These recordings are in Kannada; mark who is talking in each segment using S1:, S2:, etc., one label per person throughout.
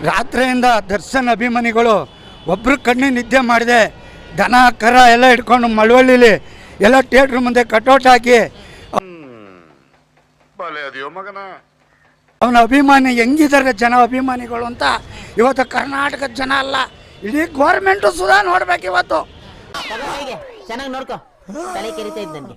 S1: ರಾತ್ರಿಯಿಂದ ದರ್ಶನ್ ಅಭಿಮಾನಿಗಳು ಒಬ್ಬರು ಕಣ್ಣು ನಿದ್ದೆ ಮಾಡಿದೆ, ದನ ಕರ ಎಲ್ಲ ಇಟ್ಕೊಂಡು ಮಳವಳ್ಳಿಲಿ ಎಲ್ಲ ಥಿಯೇಟ್ರ್ ಮುಂದೆ ಕಟೌಟ್ ಹಾಕಿ ಅವನ ಅಭಿಮಾನಿ ಹೆಂಗಿದ್ದಾರೆ ಜನ ಅಭಿಮಾನಿಗಳು ಅಂತ ಇವತ್ತು ಕರ್ನಾಟಕದ ಜನ ಅಲ್ಲ, ಇಡೀ ಗೌರ್ಮೆಂಟು ಸುಧಾ ನೋಡ್ಬೇಕು ಇವತ್ತು.
S2: ಚೆನ್ನಾಗಿ ನೋಡ್ಕೋ, ತಲೆ ಕೆರಿತಾ ಇದ್ದ ನನಗೆ.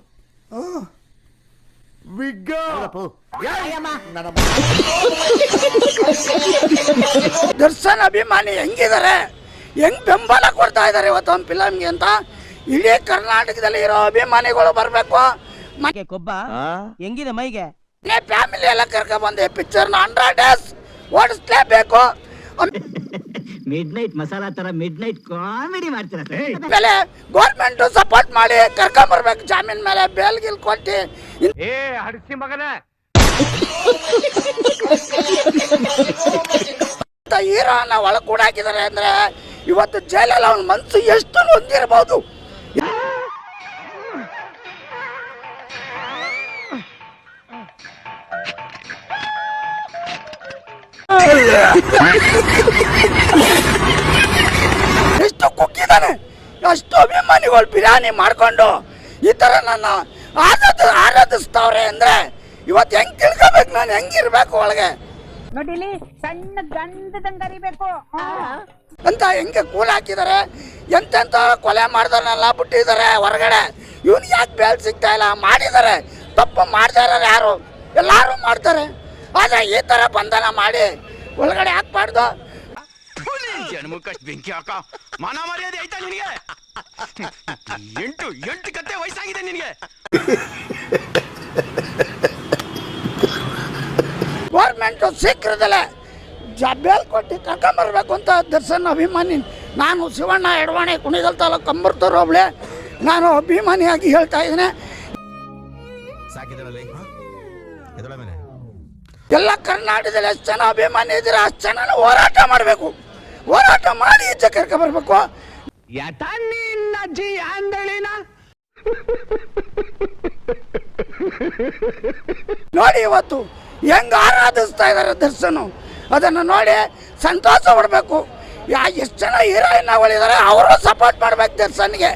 S1: ದರ್ಶನ್ ಅಭಿಮಾನಿ ಹೆಂಗಿದ್ದಾರೆ, ಹೆಂಗ್ ಬೆಂಬಲ ಕೊಡ್ತಾ ಇದ್ದಾರೆ ಇವತ್ತು ಒಂದು ಫಿಲಮ್ಗೆ ಅಂತ ಇಡೀ ಕರ್ನಾಟಕದಲ್ಲಿ ಇರೋ ಅಭಿಮಾನಿಗಳು ಬರಬೇಕು.
S2: ಕೊಬ್ಬ ಹೆಂಗಿದೆ ಮೈಗೆ,
S1: ಫ್ಯಾಮಿಲಿ ಎಲ್ಲ ಕರ್ಕೊಂಡ್ ಬಂದೆ ಪಿಕ್ಚರ್ನ 100 days ಓಡಿಸ್ಲೇಬೇಕು.
S2: ಮಿಡ್ ನೈಟ್ ಮಸಾಲಾ ತರ ಮಿಡ್ ನೈಟ್ ಕಾಮಿಡಿ ಮಾಡ್ತೀರ.
S1: ಮೇಲೆ ಗೌರ್ಮೆಂಟ್ ಸಪೋರ್ಟ್ ಮಾಡಿ ಕರ್ಕೊಂಡ್ ಬರ್ಬೇಕು, ಜಾಮೀನ್ ಮೇಲೆ ಬೇಲ್ ಗಿಲ್ ಕೊಟ್ಟು.
S3: ಹಡಿಸಿ ಮಗನ
S1: ಹೀರೋನ ಒಳಗೆ ಕೂಡ ಹಾಕಿದ್ದಾರೆ ಅಂದ್ರೆ ಇವತ್ತು ಜೈಲಲ್ಲಿ ಅವನ ಮನಸ್ಸು ಎಷ್ಟು ಹೊಂದಿರಬಹುದು. ಎಷ್ಟು ಕುಕ್ಕಿದ್ದಾನೆ, ಅಷ್ಟು ಅಭಿಮಾನಿಗಳು ಬಿರಿಯಾನಿ ಮಾಡ್ಕೊಂಡು ಈ ತರ ನನ್ನ ಆರಾಧಿಸ್ತಾವ್ರೆ ಅಂದ್ರೆ ಇವತ್ತು ಹೆಂಗ್ ತಿಳ್ಕೊಬೇಕು, ನಾನು ಹೆಂಗಿರ್ಬೇಕು ಒಳಗೆ
S4: ನೋಡಿಲಿ, ಸಣ್ಣ ಗಂಧದಂಗ ಅರಿಬೇಕು
S1: ಅಂತ ಹೆಂಗೆ ಕೂಲ್ ಹಾಕಿದ್ದಾರೆ. ಎಂತೆಂತ ಕೊಲೆ ಮಾಡಿದವನ್ನೆಲ್ಲ ಬಿಟ್ಟಿದ್ದಾರೆ ಹೊರಗಡೆ. ಇವನ್ ಯಾಕೆ ಬೇಲ್ ಸಿಗ್ತಾ ಇಲ್ಲ, ಮಾಡಿದ್ದಾರೆ ತಪ್ಪು ಮಾಡ್ತಾ ಇರೋರು ಯಾರು, ಎಲ್ಲಾರು ಮಾಡ್ತಾರೆ. ಆದ್ರೆ ಈ ತರ ಬಂಧನ ಮಾಡಿ ಒಳಗಡೆ ಹಾಕ್ಬಾರ್ದು.
S3: ಜನ್ಮಕ್ಕಷ್ಟು ಬೆಂಕಿ ಹಾಕ, ಮಾನ ಮರ್ಯಾದೆ ಆಯ್ತಾ ನಿನಗೆ? ಎಂಟು ಕತ್ತೆ ವಯಸ್ಸಾಗಿದೆ ನಿನಗೆ.
S1: ಗೌರ್ಮೆಂಟ್ ಶೀಘ್ರದಲ್ಲೇ ಬೇಲ್ ಕೊಟ್ಟು ಕರ್ಕೊಂಬರ್ಬೇಕು ಅಂತ ದರ್ಶನ್ ಅಭಿಮಾನಿ ನಾನು ಶಿವಣ್ಣ ಎಡವಾಣಿ ಕುಣಿಗಲ್ ತಾಲೂಕು ಕಂಬರ್ತೂರು ಹೋಬಳಿ ನಾನು ಅಭಿಮಾನಿಯಾಗಿ ಹೇಳ್ತಾ ಇದ್ದೇನೆ. ಎಲ್ಲ ಕರ್ನಾಟಕದಲ್ಲಿ ಎಷ್ಟು ಜನ ಅಭಿಮಾನಿ ಇದ್ದೀರಾ ಅಷ್ಟು ಜನ ಹೋರಾಟ ಮಾಡಬೇಕು, ಹೋರಾಟ ಮಾಡಿ ಈಚೆ ಕರ್ಕೊಂಬರ್ಬೇಕು. ನೋಡಿ ಇವತ್ತು ಹೆಂಗ ಆರಾಧಿಸ್ತಾ ಇದ್ದಾರೆ ದರ್ಶನ್, ಅದನ್ನು ನೋಡಿ ಸಂತೋಷ ಪಡಬೇಕು. ಎಷ್ಟು ಜನ ಹೀರೋಯಿನ್ಗಳಿದ್ದಾರೆ ಅವರು ಸಪೋರ್ಟ್ ಮಾಡ್ಬೇಕು ದರ್ಶನ್ಗೆ.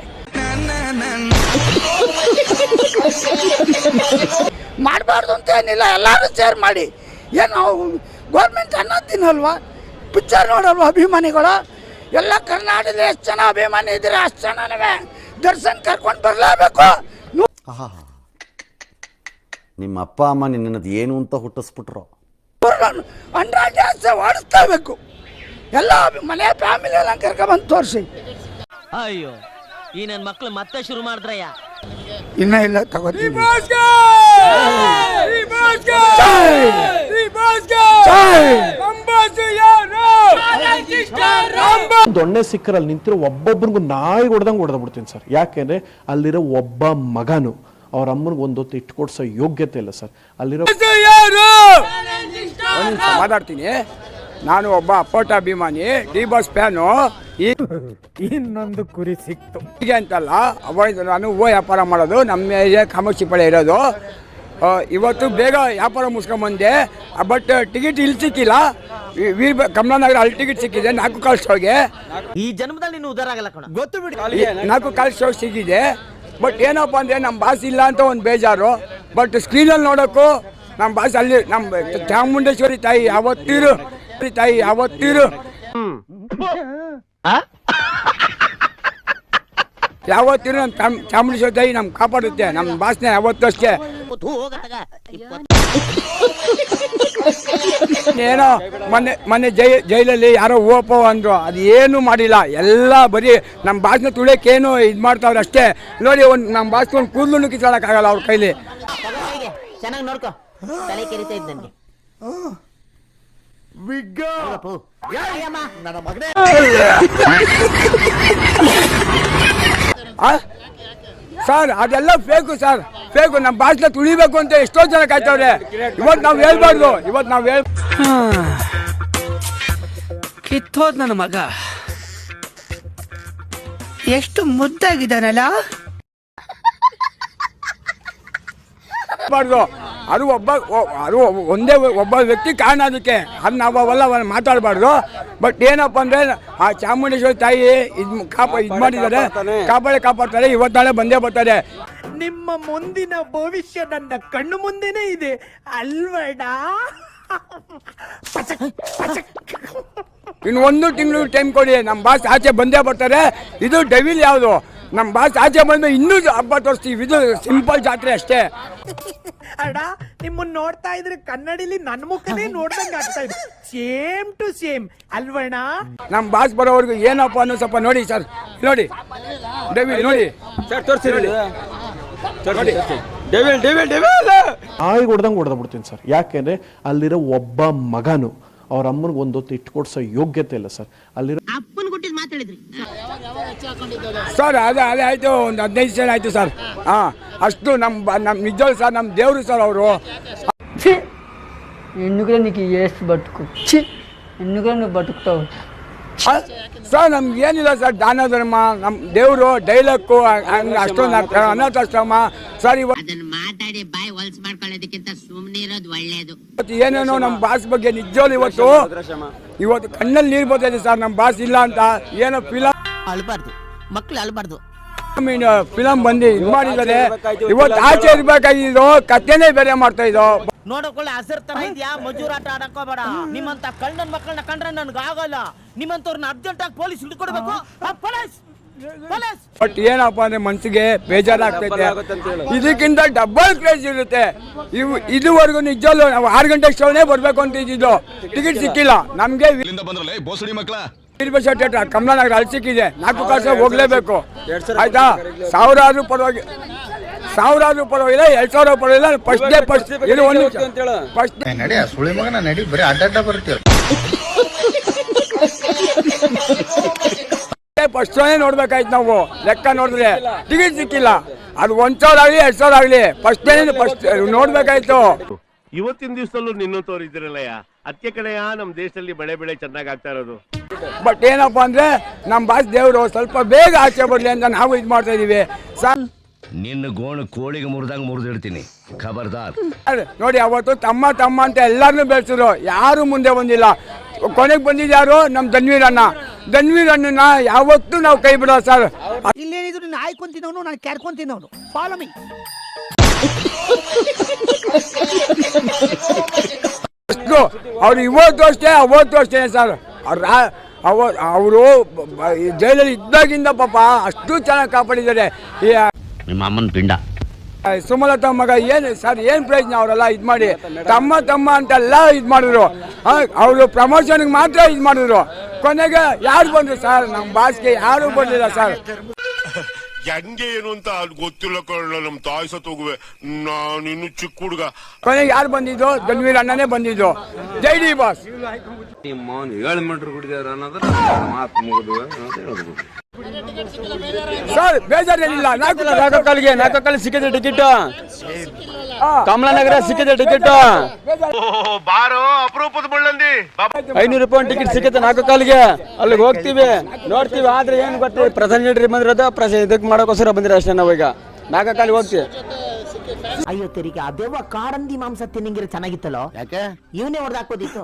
S1: ಮಾಡಬಾರ್ದು ಅಂತ ಏನಿಲ್ಲ, ಎಲ್ಲರೂ ಶೇರ್ ಮಾಡಿ. ಏನು ಗೌರ್ಮೆಂಟ್ ಅನ್ನೋದು ತಿನ್ನಲ್ವಾ, ಪಿಕ್ಚರ್ ನೋಡಲ್ವ ಅಭಿಮಾನಿಗಳು? ಎಲ್ಲ ಕರ್ನಾಟಕದಲ್ಲಿ ಎಷ್ಟು ಜನ ಅಭಿಮಾನಿ ಇದ್ದೀರಾ ಅಷ್ಟು ಜನನೇ ದರ್ಶನ್ ಕರ್ಕೊಂಡು ಬರಲೇಬೇಕು.
S5: ನಿಮ್ಮ ಅಪ್ಪ ಅಮ್ಮ ನಿನ್ನದು ಏನು ಅಂತ ಹುಟ್ಟಿಸ್ಬಿಟ್ರು.
S1: 100 days ಓಡಿಸ್ಲೇಬೇಕು. ಎಲ್ಲ ಮನೆ ಫ್ಯಾಮಿಲಿ ಎಲ್ಲ ಕರ್ಕೊಂಡ್ಬಂದು ತೋರಿಸಿ.
S2: ಅಯ್ಯೋ, ಈ ನನ್ನ ಮಕ್ಳು ಮತ್ತೆ ಶುರು ಮಾಡಿದ್ರಯ್ಯ.
S1: ಇನ್ನ ಇಲ್ಲ ತಗೋತೀನಿ.
S6: ದೊಣ್ಣೆ ಸಿಕ್ಕರಲ್ಲಿ ನಿಂತಿರೋ ಒಬ್ಬೊಬ್ಬರಿಗೂ ನಾಯಿ ಹೊಡೆದಂಗೆ ಹೊಡೆದ್ಬಿಡ್ತೀನಿ ಸರ್. ಯಾಕೆಂದ್ರೆ ಅಲ್ಲಿರೋ ಒಬ್ಬ ಮಗನು ಅವ್ರ ಅಮ್ಮನಿಗೆ ಒಂದೊತ್ತು ಇಟ್ಟು ಕೊಡ್ಸೋ ಯೋಗ್ಯತೆ ಇಲ್ಲ ಸರ್. ಅಲ್ಲಿರೋ
S7: ಮಾತಾಡ್ತೀನಿ, ನಾನು ಒಬ್ಬ ಅಪ್ಪಟ ಅಭಿಮಾನಿ, ಡಿ ಬಾಸ್ ಫ್ಯಾನು.
S8: ಇನ್ನೊಂದು ಕುರಿ ಸಿಕ್ತು
S7: ಹೀಗೆ ಅಂತಲ್ಲ, ಅವಾಗ ನಾನು ವ್ಯಾಪಾರ ಮಾಡೋದು, ನಮ್ಮ ಏರಿಯಾ ಕಾಮಾಕ್ಷಿ ಪಾಳ್ಯ ಇರೋದು. ಇವತ್ತು ಬೇಗ ವ್ಯಾಪಾರ ಮುಗಿಸ್ಕೊಂಬಂದೆ, ಬಟ್ ಟಿಕೆಟ್ ಇಲ್ಲಿ ಸಿಕ್ಕಿಲ್ಲ. ಕಮಲಾನಗರ ಅಲ್ಲಿ ಟಿಕೆಟ್ ಸಿಕ್ಕಿದೆ 4 ಕಾಲ್ ಶೋಗೆ.
S2: ಈ ಜನ್ಮದಲ್ಲಿ ನೀನು ಉದಾರ ಆಗಲ್ಲ ಕಣ,
S7: ಗೊತ್ತು ಬಿಡಿ. 4 ಕಾಲ್ ಶೋ ಸಿಕ್ಕಿದೆ. ಬಟ್ ಏನಪ್ಪ ಅಂದರೆ ನಮ್ಮ ಬಾಸ್ ಇಲ್ಲ ಅಂತ ಒಂದು ಬೇಜಾರು. ಬಟ್ ಸ್ಕ್ರೀನಲ್ಲಿ ನೋಡೋಕ್ಕೂ ನಮ್ಮ ಬಾಸ್ ಅಲ್ಲಿ ನಮ್ಮ ಚಾಮುಂಡೇಶ್ವರಿ ತಾಯಿ ಯಾವತ್ತಿರು ಯಾವತ್ತಿರು ನಮ್ಮ ಚಾಮುಂಡೇಶ್ವರಿ ತಾಯಿ ನಮ್ಗೆ ಕಾಪಾಡುತ್ತೆ. ನಮ್ಮ ಬಾಸ್ನ ಯಾವತ್ತೂ ಅಷ್ಟೇ. ಏನೋ ಮೊನ್ನೆ ಜೈಲಲ್ಲಿ ಯಾರೋ ಓಪೋ ಅಂದರು, ಅದು ಏನು ಮಾಡಿಲ್ಲ. ಎಲ್ಲ ಬರೀ ನಮ್ಮ ಬಾಸ್ನ ತುಳಿಯೋಕ್ಕೇನು ಇದು ಮಾಡ್ತಾವ್ರೆ ಅಷ್ಟೇ. ನೋಡಿ ನಮ್ಮ ಬಾಸ್ಗೆ ಒಂದು ಕೂದಲು ಕಿತ್ತಾಡೋಕ್ಕಾಗಲ್ಲ ಅವ್ರ ಕೈಲಿ.
S2: ಚೆನ್ನಾಗಿ ನೋಡ್ಕೋ, ತಲೆ ಕೆರಿತಾ ಇದ್ದ ನನಗೆ.
S7: ಸರ್ ಅದೆಲ್ಲ ಫೇಕು ಸರ್, ಫೇಕು. ನಮ್ಮ ಬಾಸ್ನ ತುಳಿಬೇಕು ಅಂತ ಎಷ್ಟೋ ಜನ ಕಾಯ್ತವ್ರೆ. ಇವತ್ತು ನಾವು ಹೇಳ್ಬಾರ್ದು, ಇವತ್ತು ನಾವು
S9: ಕಿತ್ತೋದ್ ನನ್ನ ಮಗ ಎಷ್ಟು ಮುದ್ದಾಗಿದ್ದಾನಲ್ಲ.
S7: ಬಾರ್ದು ಅದು ಒಂದೇ ಒಬ್ಬ ವ್ಯಕ್ತಿ ಕಾರಣ ಅದಕ್ಕೆ ಅದು ನಾವು ಅವೆಲ್ಲ ಮಾತಾಡಬಾರ್ದು. ಬಟ್ ಏನಪ್ಪ ಅಂದರೆ ಆ ಚಾಮುಂಡೇಶ್ವರಿ ತಾಯಿ ಇದು ಮಾಡಿದ್ದಾರೆ, ಕಾಪಾಡ್ತಾರೆ. ಇವತ್ತು ನಾಳೆ ಬಂದೇ ಬರ್ತಾರೆ.
S8: ನಿಮ್ಮ ಮುಂದಿನ ಭವಿಷ್ಯ ನನ್ನ ಕಣ್ಣು ಮುಂದೆನೇ ಇದೆ ಅಲ್ವಡ.
S7: ಇನ್ನು 1 ತಿಂಗಳು ಟೈಮ್ ಕೊಡಿ, ನಮ್ಮ ಬಾಸ್ ಆಚೆ ಬಂದೇ ಬರ್ತಾರೆ. ಇದು ಡೆವಿಲ್ ಯಾವುದು, ನಮ್ಮ ಬಾಸ್ ಆಚೆ ಬಂದು ಇನ್ನೂ ಹಬ್ಬ ತೋರಿಸ್ತೀವಿ. ಇದು ಸಿಂಪಲ್ ಜಾತ್ರೆ ಅಷ್ಟೇ.
S8: ಅಡ ನಿಮ್ಮನ್ನ ನೋಡ್ತಾ ಇದ್ರೆ ಕನ್ನಡಿಲಿ ನನ್ನ ಮುಖನೇ ನೋಡ್ದಂಗೆ ಆಗ್ತಾ ಇದೆ. ಸೇಮ್ ಟು ಸೇಮ್ ಅಲ್ವಣ.
S7: ನಮ್ಮ ಬಾಸ್ ಬರೋವರೆಗೂ ಏನಪ್ಪ ಅನ್ನೋ ಸ್ವಲ್ಪ ನೋಡಿ ಸರ್, ನೋಡಿ ಡೆವಿಲ್ ನೋಡಿ ಸರ್, ತೋರಿಸಿ ನೋಡಿ ಡೆವಿಲ್ ಡೆವಿಲ್ ಡೆವಿಲ್
S6: ನಾಯಿ ಹೊಡೆದಂಗೆ ಬಿಡ್ತೀನಿ ಸರ್. ಯಾಕೆಂದ್ರೆ ಅಲ್ಲಿರೋ ಒಬ್ಬ ಮಗನು ಅವ್ರ ಅಮ್ಮನಿಗೆ ಒಂದೊತ್ತು ಇಟ್ಕೊಡ್ಸೋ ಯೋಗ್ಯತೆ ಇಲ್ಲ ಸರ್. ಅಲ್ಲಿರೋ
S7: ಸರ್ ಅದೇ ಆಯ್ತು, ಒಂದು 15 ಜನ ಆಯ್ತು ಸರ್. ಅಷ್ಟು ನಮ್ಮ ನಿಜವಾಗ್ಲೂ ಸರ್ ನಮ್ಮ ದೇವರು ಸರ್ ಅವರು.
S10: ಹೆಣ್ಣುಗಳ ನೀನು ಎಷ್ಟು ಬದುಕು ಹೆಣ್ಣುಗಳ ನೀವು ಬದುಕ್ತಾವೆ
S7: ಸರ್. ನಮ್ಗೆ ಏನಿಲ್ಲ ಸರ್, ದಾನ ಧರ್ಮ ನಮ್ಮ ದೇವರು ಡೈಲಾಗು ಹಂಗೆ ಅಷ್ಟೊಂದು ಅನಾಥಾಶ್ರಮ ಸರ್. ಇವತ್ತು ಏನೇನೋ ನಮ್ಮ ಬಾಸ್ ಬಗ್ಗೆ ನಿಜವಾಗ್ಲೂ ಇವತ್ತು ಕಣ್ಣಲ್ಲಿ ನೀರು ಬರ್ತಾ ಇದೆ ಸರ್. ನಮ್ಮ ಬಾಸ್ ಇಲ್ಲ ಅಂತ ಏನೋ ಫಿಲಮ್
S2: ಅಳ್ಬಾರ್ದು, ಮಕ್ಳು ಅಳ್ಬಾರ್ದು.
S7: ಫಿಲಮ್ ಬಂದು ಇದು ಮಾಡಿದ್ದಾರೆ. ಇವತ್ತು ಆಚೆ ಇರ್ಬೇಕಾಗಿದ್ದು ಕಥೆನೇ ಬೇರೆ ಮಾಡ್ತಾ ಇದ್ದೋ.
S2: ನೋಡಕೊಳ್ಳೆ ಹಸಿರು ತರ ಇದೆಯಾ, ಮಜೂರಾಟ ಆಡಕೋಬೇಡ. ನಿಮ್ಮಂತ ಕಳ್ಳನ್ ಮಕ್ಕಳನ್ನ ಕಂಡ್ರೆ ನನ್ಗೆ ಆಗಲ್ಲ. ನಿಮ್ಮಂತವ್ರನ್ನ ಅರ್ಜೆಂಟ್ ಆಗಿ ಪೊಲೀಸ್ ಹಿಡ್ಕೊಡ್ಬೇಕು.
S7: ಬಟ್ ಏನಪ್ಪ ಅಂದ್ರೆ ಮನ್ಸಿಗೆ ಬೇಜಾರಾಗ್ತೈತೆ. ಇದಕ್ಕಿಂತ ಡಬಲ್ ಕ್ರೇಜ್ ಇರುತ್ತೆ. ಇದುವರೆಗೂ ನಿಜವಲ್ಲೂ ನಾವು 6 ಗಂಟೆ ಶೋನೇ ಬರ್ಬೇಕು ಅಂತ ಇದ್ದಿದ್ದು, ಟಿಕೆಟ್ ಸಿಕ್ಕಿಲ್ಲ ನಮ್ಗೆ. ಥಿಯೇಟರ್ ಕಮಲಾನಗರ ಅಲ್ಲಿ ಸಿಕ್ಕಿದೆ, 4 ಕಾಸು ಹೋಗ್ಲೇಬೇಕು ಆಯ್ತಾ. 1000 ಆದ್ರೂ ಪರವಾಗಿಲ್ಲ, 1000 ಪರವಾಗಿಲ್ಲ, 2000 ಪರವಾಗಿಲ್ಲ. ಫಸ್ಟ್ ಡೇ ಫಸ್ಟ್ ಇದು ಒಂದು ಫಸ್ಟ್
S1: ನಡಿ ಸುಳಿ ಮಗನ ನಡಿ, ಬರೀ ಅಡ್ಡ ಬರ್ತೀರ.
S7: ಫಸ್ಟ್ ಶೋನೇ ನೋಡ್ಬೇಕಾಯ್ತು ನಾವು. ಲೆಕ್ಕ ನೋಡಿದ್ರೆ ಟಿಕೆಟ್ ಸಿಕ್ಕಿಲ್ಲ. ಅದು 1000 ಆಗಲಿ 2000 ಆಗಲಿ ಫಸ್ಟ್ ಡೇ ಫಸ್ಟ್ ನೋಡ್ಬೇಕಾಯ್ತು.
S11: ಇವತ್ತಿನ ದಿವಸದಲ್ಲೂ ನಿನ್ನಂತವ್ರು ಇದ್ರಲ್ಲಯ್ಯ, ಅದಕ್ಕೆ ಕಡೆಯ ನಮ್ಮ ದೇಶದಲ್ಲಿ ಬೆಳೆ ಚೆನ್ನಾಗಿ ಆಗ್ತಾ ಇರೋದು.
S7: ಬಟ್ ಏನಪ್ಪ ಅಂದ್ರೆ ನಮ್ಮ ಬಾಸ್ ದೇವರು ಸ್ವಲ್ಪ ಬೇಗ ಆಚೆ ಬರ್ಲಿ ಅಂತ ನಾವು ಇದು ಮಾಡ್ತಾ ಇದೀವಿ ಸರ್.
S3: ನಿನ್ನ ಗೋಣು ಕೋಳಿಗೆ ಮುರಿದಂಗೆ ಮುರಿದಿಡ್ತೀನಿ, ಖಬರ್ದಾರ್.
S7: ನೋಡಿ ಅವತ್ತು ತಮ್ಮ ಅಂತ ಎಲ್ಲಾರನ್ನೂ ಬೆಳೆಸಿದ್ರು, ಯಾರು ಮುಂದೆ ಬಂದಿಲ್ಲ. ಕೊನೆಗೆ ಬಂದಿದ್ದು ಯಾರು? ನಮ್ಮ ಧನ್ವೀರ್ ಅಣ್ಣನ ಯಾವತ್ತೂ ನಾವು ಕೈ ಬಿಡೋ ಸರ್.
S8: ಇಲ್ಲೇನಿದ್ರು ನೀನು ಆಯ್ಕೊಂತಿನವನು, ನಾನು ಕ್ಯಾರ್ಕೊಂತಿನವನು. Follow me.
S7: ಅವ್ರು ಇವತ್ತು ಅಷ್ಟೇ ಅವತ್ತು ಅಷ್ಟೇ ಸರ್. ಅವರು ಜೈಲಲ್ಲಿ ಇದ್ದಾಗಿಂದ ಪಾಪ ಅಷ್ಟು ಚೆನ್ನಾಗಿ ಕಾಪಾಡಿದ್ದಾರೆ.
S2: ನಿಮ್ಮ ಅಮ್ಮನ ಪಿಂಡ
S7: ಸುಮಲತಾ ಮಗ ಏನು ಸರ್, ಏನು ಪ್ರಯೋಜನ? ಅವರೆಲ್ಲ ಇದು ಮಾಡಿ ತಮ್ಮ ಅಂತೆಲ್ಲ ಇದು ಮಾಡಿದ್ರು. ಅವರು ಪ್ರಮೋಷನ್ಗೆ ಮಾತ್ರ ಇದು ಮಾಡಿದ್ರು. ಕೊನೆಗೆ ಯಾರು ಬಂದರು ಸರ್? ನಮ್ಮ ಬಾಸ್ಗೆ ಯಾರು ಬಂದಿಲ್ಲ ಸರ್.
S11: ಹೆಂಗೆ ಏನು ಅಂತ ಗೊತ್ತಿಲ್ಲ ಕಳ್ಳ, ನಮ್ಮ ತಾಯಿ ಸತ್ತೋಗುವೆ, ನಾನು ಇನ್ನು ಚಿಕ್ಕ ಹುಡುಗ.
S7: ಕೊನೆಗೆ ಯಾರು ಬಂದಿದ್ದು? ಧನ್ವೀರ್ ಅಣ್ಣನೇ ಬಂದಿದ್ದು. ಜೈ ಡಿ ಬಾಸ್. ಸರ್ ಬೇಜಾರೇನಿಲ್ಲ. 4 ಕಾಲಿಗೆ ಸಿಕ್ಕಿದೆ ಟಿಕೆಟ್. ಕಮಲಾನಗರ ಸಿಕ್ಕಿದೆ ಟಿಕೆಟ್.
S11: ಬಾರೋ ಅಪರೂಪದ ಮುಳ್ಳಂದಿ.
S7: 500 ರೂಪಾಯಿ ಟಿಕೆಟ್ ಸಿಕ್ಕತ್ತೆ 4 ಕಾಲಿಗೆ. ಅಲ್ಲಿಗೆ ಹೋಗ್ತೀವಿ, ನೋಡ್ತೀವಿ. ಆದ್ರೆ ಏನು ಗೊತ್ತಿ, ಪ್ರಧಾನಿ ಬಂದಿರೋದು ಇದಕ್ಕೆ ಮಾಡೋಕ್ಕೋಸ್ಕರ ಬಂದಿರೋ ಅಷ್ಟೇ. ನಾವೀಗ 4 ಕಾಲಿಗೆ ಹೋಗ್ತೀವಿ.
S2: ಅಯ್ಯೋ ತೆರಿಗೆ, ಅದೇವ ಕಾರಂದಿ ಮಾಂಸ ತಿನ್ನಂಗಿರ ಚೆನ್ನಾಗಿತ್ತಲ್ಲೋ. ಯಾಕೆ ಇವನೇ ಹೊಡೆದಾಕೋದಿತ್ತು.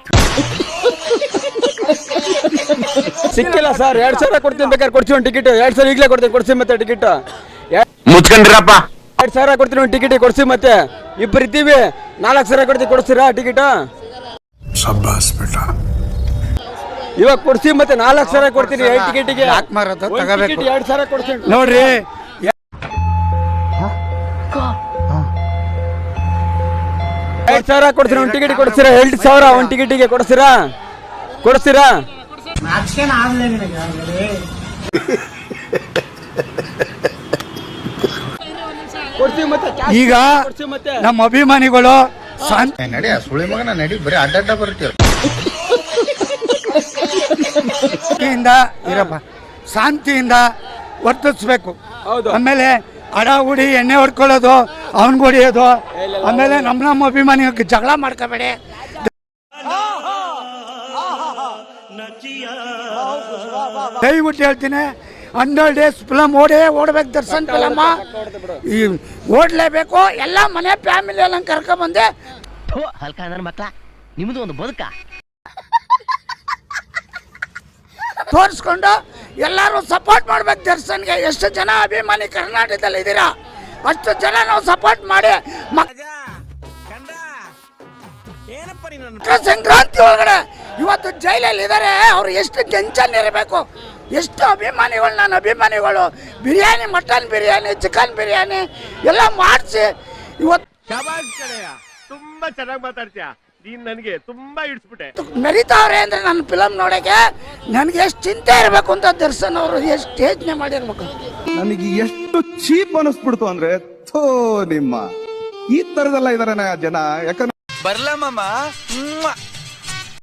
S7: ಸಿಕ್ಕಿಲ್ಲ ಸರ್. 2000 ಕೊಡ್ತೀನಿ, ಬೇಕಾದ್ರೆ ಕೊಡ್ತೀವಿ ಒಂದು ಟಿಕೆಟ್. 2000 ಈಗಲೇ ಕೊಡ್ತೀನಿ, ಕೊಡ್ಸಿ ಮತ್ತೆ ಟಿಕೆಟ್.
S3: ಮುಚ್ಕೊಂಡಿರಪ್ಪ.
S7: 2000 ಕೊಡ್ತೀನಿ ಒಂದು ಟಿಕೆಟ್, ಕೊಡ್ಸಿ ಮತ್ತೆ. ಇಬ್ಬರು ಇದ್ದೀವಿ, 4000 ಕೊಡ್ತೀವಿ, ಕೊಡ್ತೀರಾ ಟಿಕೆಟ್? ಇವಾಗ ಕೊಡ್ಸಿ ಮತ್ತೆ 4000 ಕೊಡ್ತೀನಿ ಟಿಕೆಟಿಗೆ. 2000 ಕೊಡ್ತೀನಿ ನೋಡ್ರಿ. 2000 ಕೊಡ್ತೀರಾ ಒಂದು ಟಿಕೆಟ್ ಕೊಡ್ತೀರಾ? 2000 ಒಂದು ಟಿಕೆಟಿಗೆ ಕೊಡ್ತೀರಾ?
S1: ಈಗ ನಮ್ಮ ಅಭಿಮಾನಿಗಳು ನಡಿ ಸುಳಿ ಮಗನ ನಡಿ, ಬರೀ ಅಡ್ಡ ಬರ್ತೀರ. ಇರಪ್ಪ, ಶಾಂತಿಯಿಂದ ವರ್ತಿಸ್ಬೇಕು. ಆಮೇಲೆ ಅಡಾಗುಡಿ ಎಣ್ಣೆ ಹೊಡ್ಕೊಳ್ಳೋದು, ಅವನ್ಗೆ ಹೊಡಿಯೋದು, ಆಮೇಲೆ ನಮ್ಮ ಅಭಿಮಾನಿ ಜಗಳ ಮಾಡ್ಕೋಬೇಡಿ. ದಯವಿಟ್ಟು ಹೇಳ್ತೀನಿ, 100 ಡೇಸ್ ಫಿಲಮ್ ಓಡ್ಬೇಕು ದರ್ಶನ್ ಫಿಲಮ್ಮ. ಈ ಓಡ್ಲೇಬೇಕು. ಎಲ್ಲ ಮನೆ ಫ್ಯಾಮಿಲಿ ಎಲ್ಲ ಕರ್ಕೊಂಡ್ಬಂದೆ
S2: ಹಲ್ಕ ನನ್ನ ಮಕ್ಳ ನಿಮ್ದು ಒಂದು ಬದುಕ
S1: ತೋರಿಸ್ಕೊಂಡು ಎಲ್ಲರೂ ಸಪೋರ್ಟ್ ಮಾಡ್ಬೇಕು ದರ್ಶನ್ಗೆ. ಎಷ್ಟು ಜನ ಅಭಿಮಾನಿ ಕರ್ನಾಟಕದಲ್ಲಿ ಇದ್ದೀರಾ ಅಷ್ಟು ಜನ ನಾವು ಸಪೋರ್ಟ್ ಮಾಡಿ ಸಂಕ್ರಾಂತಿ ಒಳಗಡೆ ಇವತ್ತು ಜೈಲಲ್ಲಿ ಇದ್ದಾರೆ. ಅವ್ರು ಎಷ್ಟು ಟೆನ್ಷನ್ ಇರಬೇಕು. ಎಷ್ಟು ಅಭಿಮಾನಿಗಳು, ನನ್ನ ಅಭಿಮಾನಿಗಳು ಬಿರಿಯಾನಿ, ಮಟನ್ ಬಿರಿಯಾನಿ, ಚಿಕನ್ ಬಿರಿಯಾನಿ ಎಲ್ಲ ಮಾಡಿಸಿ ಇವತ್ತು
S7: ತುಂಬಾ ಚೆನ್ನಾಗಿ ಮಾತಾಡ್ತೀಯ ನೀನ್, ನನಗೆ ತುಂಬಾ ಇಡ್ಸ್ಬಿಟ್ಟೆ.
S1: ಮೆರಿತಾವ್ರೆ ಅಂದ್ರೆ ನನ್ನ ಫಿಲಮ್ ನೋಡಕ್ಕೆ ನನಗೆ ಎಷ್ಟು ಚಿಂತೆ ಇರಬೇಕು ಅಂತ ದರ್ಶನ್ ಅವರು ಎಷ್ಟು ಯೋಚನೆ ಮಾಡಿರ್ಬೇಕು.
S12: ನನಗೆ ಎಷ್ಟು ಚೀಪ್ ಅನಿಸ್ಬಿಡ್ತು ಅಂದ್ರೆ ಥೋ ನಿಮ್ಮ ಈ ತರದೆಲ್ಲ ಇದಾರೆ ಜನ. ಯಾಕಂದ್ರೆ
S9: ಬರ್ಲಮ್ಮ